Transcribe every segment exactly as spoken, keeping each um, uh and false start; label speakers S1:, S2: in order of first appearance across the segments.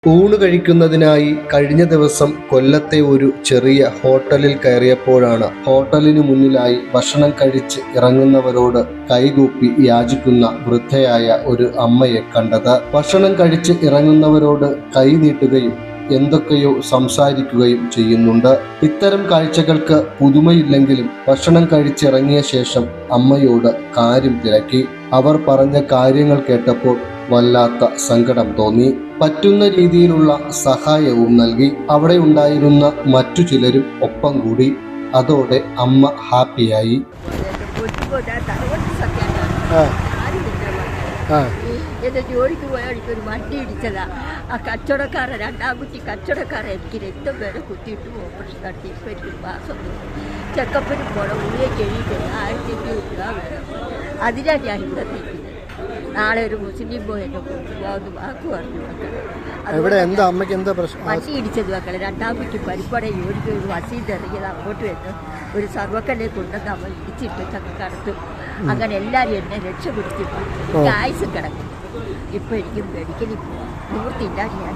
S1: ഊണ് കഴിക്കുന്നതിനായി കഴിഞ്ഞ ദിവസം കൊല്ലത്തെ ഒരു ചെറിയ ഹോട്ടലിൽ കയറിയപ്പോഴാണ് ഹോട്ടലിനു മുന്നിലായി ഭക്ഷണം കഴിച്ച് ഇറങ്ങുന്നവരോട് കൈകൂപ്പി യാചിക്കുന്ന വൃദ്ധയായ ഒരു അമ്മയെ കണ്ടത്. ഭക്ഷണം കഴിച്ച് ഇറങ്ങുന്നവരോട് കൈ നീട്ടുകയും എന്തൊക്കെയോ സംസാരിക്കുകയും ചെയ്യുന്നുണ്ട്. ഇത്തരം കാഴ്ചകൾക്ക് പുതുമയില്ലെങ്കിലും ഭക്ഷണം കഴിച്ചിറങ്ങിയ ശേഷം അമ്മയോട് കാര്യം തിരക്കി. അവർ പറഞ്ഞ കാര്യങ്ങൾ കേട്ടപ്പോൾ വല്ലാത്ത സങ്കടം തോന്നി. പറ്റുന്ന രീതിയിലുള്ള സഹായവും നൽകി. അവിടെ ഉണ്ടായിരുന്ന മറ്റു ചിലരും ഒപ്പം കൂടി. അതോടെ അമ്മ ഹാപ്പിയായി.
S2: എൻ്റെ ജോലിക്ക് പോയ എനിക്കൊരു വണ്ടി ഇടിച്ചതാ. ആ കച്ചവടക്കാരൻ രണ്ടാം കുറ്റി കച്ചവടക്കാരൻ എനിക്ക് രക്തം വരെ കുത്തിയിട്ട് ഓപ്പറേഷൻ നടത്തി. ഇപ്പം എനിക്ക് മാസം ചെക്കപ്പിന് പോകണം. ഉള്ളിലേക്ക് എഴുതിയിട്ട് ആയിരത്തി അഞ്ഞൂറ് രൂപ വേണം. അതിനാണ് ഞാൻ ഇവിടെ നിൽക്കുന്നത്. നാളെ ഒരു മുസ്ലിം പോയി എന്നെ കൊണ്ടുപോകാമെന്ന് വാക്ക് പറഞ്ഞു മക്കളെ. വണ്ടി ഇടിച്ചത് മക്കളെ. രണ്ടാം കുറ്റി പരിപ്പട ജോലിക്ക് ഒരു വസീത് ഇറങ്ങിയത് അങ്ങോട്ട് വന്ന് ഒരു സർവക്കല്ലെ കൊണ്ടുവന്ന് അവൻ ഇടിച്ചിട്ട് ചക്കക്കടത്തും. അങ്ങനെ എല്ലാവരും എന്നെ രക്ഷപ്പെടുത്തിയിട്ട് എനിക്ക് ആയുസ് കിടക്കും. ഇപ്പം എനിക്ക് മെഡിക്കലിൽ പോവാം. നിവൃത്തിയില്ല. ഞാൻ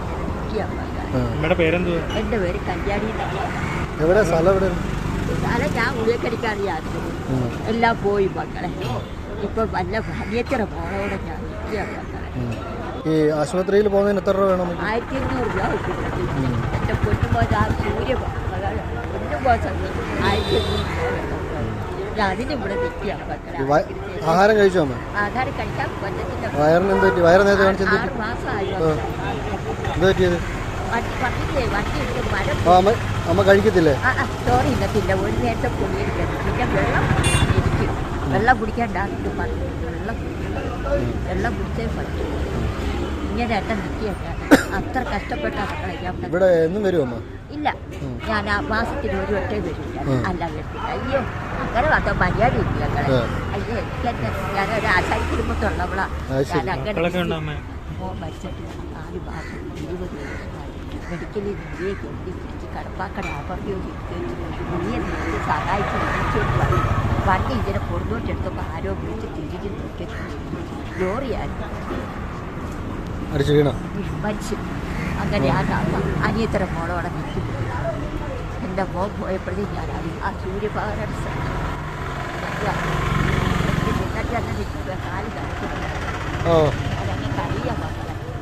S2: എൻ്റെ പേര് കല്യാണി എന്നാണ്. സ്ഥലം ഞാൻ ഉള്ളിക്കടിക്കാറിയായിരുന്നു. എല്ലാം പോയി മക്കളെ. ഇപ്പൊ വല്ല ഭാര്യത്തിറ പോണോടെ ഞാൻ
S3: ഈ ആശുപത്രിയിൽ പോകുന്നതിന് എത്ര രൂപ വേണം?
S2: ആയിരത്തി അഞ്ഞൂറ് രൂപ കിട്ടും. എൻ്റെ പൊന്നുമ്പോ ആ സൂര്യ പൊന്നുമ്പോ ആയിരത്തി അഞ്ഞൂറ് രൂപ വേണം. അതിന് ഇവിടെ നിൽക്കുക മക്കളെ.
S3: ആഹാരം കഴിച്ചോ അമ്മ?
S2: ആഹാരം കഴിക്കാൻ പറ്റത്തില്ല.
S3: വയറിന് എന്ത് പറ്റി? വയറ് നേരത്തെ കാണിച്ചത്
S2: ആറ് മാസമായി.
S3: എന്ത് പറ്റിയത്?
S2: പറഞ്ഞില്ലേ വണ്ടി ഇട്ട് മരം.
S3: അമ്മ കഴിക്കത്തില്ലേ?
S2: ആ ചോറ് ഇന്നത്തില്ല. ഒരു നേരത്തെ പൊടിയിരിക്കുന്നു. പിന്നെ വെള്ളം ഇരിക്കും. വെള്ളം കുടിക്കാണ്ടാകും പറഞ്ഞു. വെള്ളം വെള്ളം കുടിച്ചേ പറ്റും. ഇങ്ങനെ എന്നെ നിൽക്കുകയാണ്. അത്ര കഷ്ടപ്പെട്ട
S3: ഇവിടെ എന്നും വരുമോ?
S2: ഇല്ല, ഞാൻ ആ മാസത്തിൽ ഒരു വട്ടേ വരില്ല. അല്ല വരത്തില്ല. അയ്യോ അങ്ങനെ വന്ന മര്യാദ ഇല്ല ഞങ്ങളെ. അയ്യോ എനിക്കെന്നെ ഞാനൊരു ആശാരി കുടുംബത്തുള്ളവളാ. ഞാൻ അങ്ങനെ മോൻ മരിച്ചിട്ട് നാല് മാസം ഇരുപത് ദിവസമായി മെഡിക്കലിൽ നിന്നേ കൊണ്ടി പിടിച്ച് കടപ്പാക്കട അപകടം നീയെ നിർത്തി സഹായിച്ച് വിളിച്ചോണ്ട് വന്നു. വണ്ടി ഇതിനെ കൊടുത്തോട്ടെടുത്തപ്പോൾ ആരോ വിളിച്ച് തിരികെ നോക്കി ലോറിയായിരുന്നു മരിച്ചു. അങ്ങനെ ആ അനിയത്തര മോളോടെ നിൽക്കുന്നു. എൻ്റെ മോൻ പോയപ്പോഴേ ഞാൻ ആ സൂര്യഭാഗം കാല് കഴിക്കുന്നു. അതങ്ങനെ കഴിയാൻ